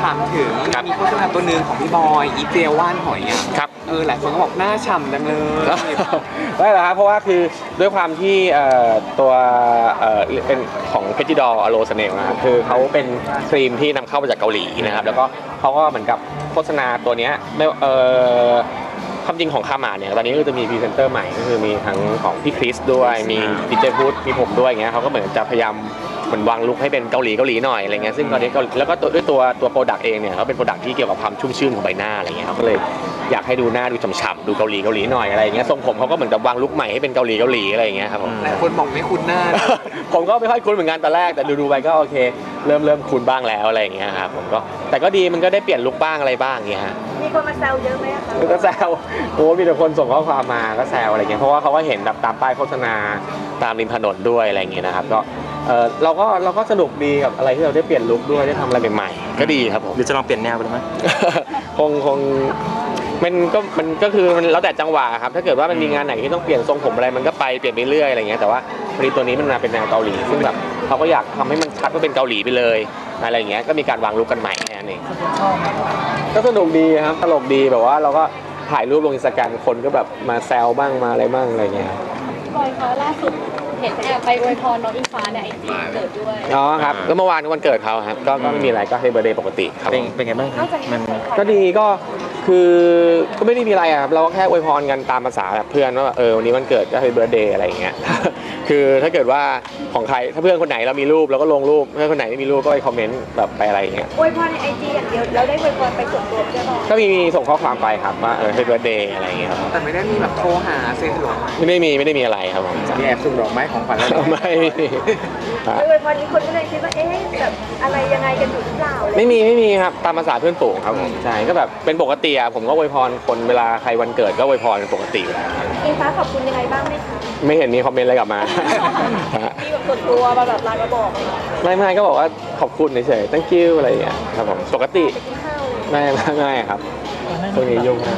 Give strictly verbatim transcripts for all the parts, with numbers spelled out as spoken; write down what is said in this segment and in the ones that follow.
ามถึงมีโฆษณาตัวหนึ่งของพี่บอยอีเจลว่านหอยอ่ะครับเออหลายคนก็บอกหน้าฉ่ำจังเลยได้เหรอครับเพราะว่าคือด้วยความที่ตัวเป็นของเพจิดอลอโลสเนลนะครับคือเขาเป็นครีมที่นำเข้ามาจากเกาหลีนะครับแล้วก็เขาก็เหมือนกับโฆษณาตัวนี้ไม่เออความจริงของคามาเนี่ยตอนนี้ก็จะมีพรีเซนเตอร์ใหม่ก็คือมีทั้งของพี่คริสด้วยมีดิเจพุทมีผมด้วยอย่างเงี้ยเขาก็เหมือนจะพยายามเหมือนวางลุคให้เป็นเกาหลีเกาหลีหน่อยอะไรเงี้ยซึ่งตอนนี้แล้วก็ด้วยตัวตัวโปรดักต์เองเนี่ยเขาเป็นโปรดักต์ที่เกี่ยวกับความชุ่มชื่นของใบหน้าอะไรเงี้ยเขาก็เลยอยากให้ดูหน้าดูฉ่ำๆดูเกาหลีเกาหลีหน่อยอะไรเงี้ยทรงผมเขาก็เหมือนกับวางลุคใหม่ให้เป็นเกาหลีเกาหลีอะไรเงี้ยครับผมหลายคนบอกไม่คุ้นหน้าผมก็ไม่ค่อยคุ้นเหมือนกันตอนแรกแต่ดูๆไปก็โอเคเริ่มเริ่มคุ้นบ้างแล้วอะไรเงี้ยครับผมก็แต่ก็ดีมันก็ได้เปลี่ยนลุคบ้างอะไรบ้างเงี้ยฮะมีคนมาแซวเยอะไหมคะก็แซวโอ้มีแต่คนส่งข้อความมาก็แซวอะไรเงี้ยเพราะว่าเขาก็เห็นแบบตามป้ายโฆษณาตามริมถนนด้วยอะไรเงี้ยนะครับก็เออเราก็เราก็สนุกดีกับอะไรที่เราได้เปลี่ยนลุคด้วยได้ทำอะไรใหม่ๆก็ดีครับผมหรือจะลองเปลี่ยนแนวไปไหมคงคงมันก็มันก็คือมันแล้วแต่จังหวะครับถ้าเกิดว่ามันมีงานไหนที่ต้องเปลี่ยนทรงผมอะไรมันก็ไปเปลี่ยนไปเรื่อยอะไรเงี้ยแต่ว่าพอดีตัวนี้มันมาเป็นแนวเกาหลีซึ่งแบบเขาก็อยากทำให้มันชัดว่าเป็นเกาหลีไปเลยอะไรเงี้ยก็มีการวางลุคกันใหม่แค่นั้นเองก็สนุกดีครับตลกดีแบบว่าเราก็ถ่ายรูปลงอินสตาแกรมคนก็แบบมาแซวบ้างมาอะไรบ้างอะไรเงี้ยบอยคะล่าสุดเห็นแอบไปอวยพรน้องอิงฟ้าในไอจีเกิดด้วยอ๋อครับก็เมื่อวานวันเกิดเขาครับก็ก็ไม่มีอะไรก็ให้เบอร์เดย์ปกติครับเป็นเป็นไงบ้างครับมันก็ดีก็คือก็ไม่ได้มีอะไรครับเราก็แค่อวยพรกันตามภาษาแบบเพื่อนว่าเออวันนี้วันเกิดก็ให้เบอร์เดย์อะไรอย่างเงี้ยคือถ้าเกิดว่าของใครถ้าเพื่อนคนไหนเรามีรูปเราก็ลงรูปเพื่อนคนไหนไม่มีรูปก็ไปคอมเมนต์แบบไปอะไรอย่างเงี้ยอวยพรในไอจีอย่างเดียวแล้วได้อวยพรไปส่วนตัวใช่ไหมก็มีมีส่งข้อความไปครับว่าเออให้เบอร์เดย์อะไรอย่างเงี้ยครับแต่ไม่ได้มีแบบโทรหาเซ็นหรอไม่ได้มีไม่ได้มีอะไรครับผมมีแอบส่งดอกไม้ของขวัญอะไรไม่อวยพรนี้คนก็เลยคิดว่าเอ๊ะแบบอะไรยังไงกันอยู่หรือเปล่าไม่มีไม่มีครับตามภาษาเพื่อนฝูงครับผมใช่ก็แบบเป็นปกติอะผมก็อวยพรคนเวลาใครวันเกิดก็อวยพรเป็นปกติอยู่แล้วอิงฟ้าขอบคุณยังไงบ้างไหมคะไม่เห็นมีคอมเมนต์อะไรกลับมามีแบบส่วนตัวมาแบบไลน์มาบอกไม่ไม่ก็บอกว่าขอบคุณเฉยๆ thank you อะไรอย่างเงี้ยครับผมปกติไม่ไม่ไม่ครับตรงนี้ยุ่งนะ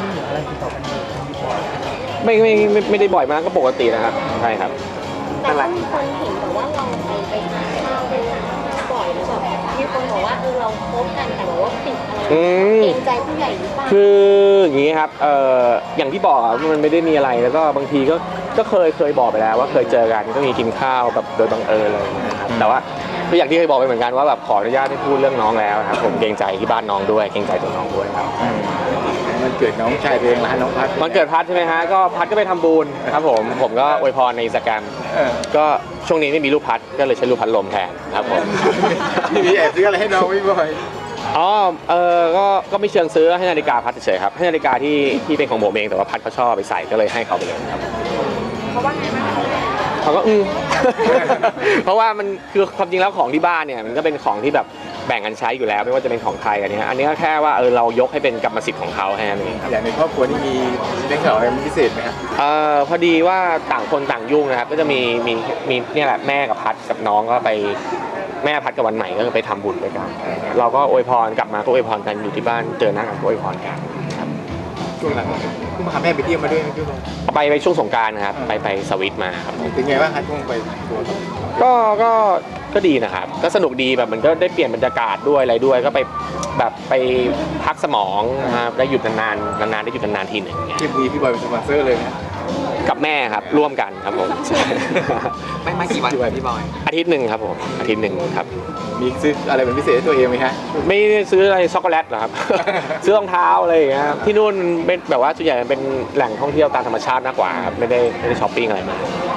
ไม่ไม่ไม่ไม่ได้บ่อยมากก็ปกตินะครับใช่ครับแต่ก็มีคนเห็นแบบว่าเราไปไปทานข้าวด้วยบ่อยแล้วแบบมีคนบอกว่าเออเราคบกันแต่ว่าติดอะไรเกรงใจผู้ใหญ่หรือเปล่าคืออย่างนี้ครับเอ่ออย่างที่บอกมันไม่ได้มีอะไรแล้วก็บางทีก็ก็เคยเคยบอกไปแล้วว่าเคยเจอกันก็มีกินข้าวแบบโดยบังเอิญเลยนะครับแต่ว่าก็อย่างที่เคยบอกไปเหมือนกันว่าแบบขออนุญาตให้พูดเรื่องน้องแล้วครับผมเกรงใจที่บ้านน้องด้วยเกรงใจตัวน้องด้วยครับมันเกิดน้องชายเองนะน้องพัดมันเกิดพัดใช่ไหมฮะก็พัดก็ไปทำบุญครับผมผมก็อวยพรในอินสตาแกรมก็ช่วงนี้ไม่มีรูปพัดก็เลยใช้รูปพัดลมแทนครับผมมีแอบซื้ออะไรให้น้องไม่บ่อยอ๋อเออก็ก็ไม่เชิงซื้อให้นาฬิกาพัดเฉยๆครับให้นาฬิกาที่ที่เป็นของผมเองแต่ว่าพัดเขาชอบไปใส่ก็เลยให้เขาไปเลยครับเขาว่าไงบ้างเขาก็อืมเพราะว่ามันคือความจริงแล้วของที่บ้านเนี่ยมันก็เป็นของที่แบบแบ่งกันใช้อยู่แล้วไม่ว่าจะเป็นของใครอันนี้อันนี้ก็แค่ว่าเออเรายกให้เป็นกรรมสิทธิ์ของเขาแค่นั้นเองอย่างในครอบครัวนี่มีเรื่องอะไรพิเศษไหมครับเออพอดีว่าต่างคนต่างยุ่งนะครับก็จะมีมีมีเนี่ยแหละแม่กับพัดกับน้องก็ไปแม่พัดกับวันใหม่ก็ไปทำบุญด้วยกันเราก็อวยพรกลับมาก็อวยพรกันอยู่ที่บ้านเจอหน้ากันก็อวยพรกันครับช่วงหลังคุณพาแม่ไปเที่ยวมาด้วยพี่บอยไปไปช่วงสงกรานต์ครับไปไปสวิตมาครับเป็นไงบ้างครับช่วงไปก็ก็ก็ดีนะครับก็สนุกดีแบบมันก็ได้เปลี่ยนบรรยากาศด้วยอะไรด้วยก็ไปแบบไปพักสมองนะครับได้หยุดนานๆนานๆได้หยุดนานๆทีหนึ่งที่มีพี่บอยเป็นสปอนเซอร์เลยนะกับแม่ครับร่วมกันครับผมไม่ไม่กี่วันพี่บอยอาทิตย์หนึ่งครับผมอาทิตย์หนึ่งครับมีซื้ออะไรเป็นพิเศษตัวเองไหมฮะไม่ได้ซื้ออะไรช็อกโกแลตหรอครับซื้อรองเท้าอะไรอย่างเงี้ยที่นู่นเป็นแบบว่าส่วนใหญ่เป็นแหล่งท่องเที่ยวตามธรรมชาติมากกว่าครับไม่ได้ไม่ได้ช้อปปิ้งอะไรมา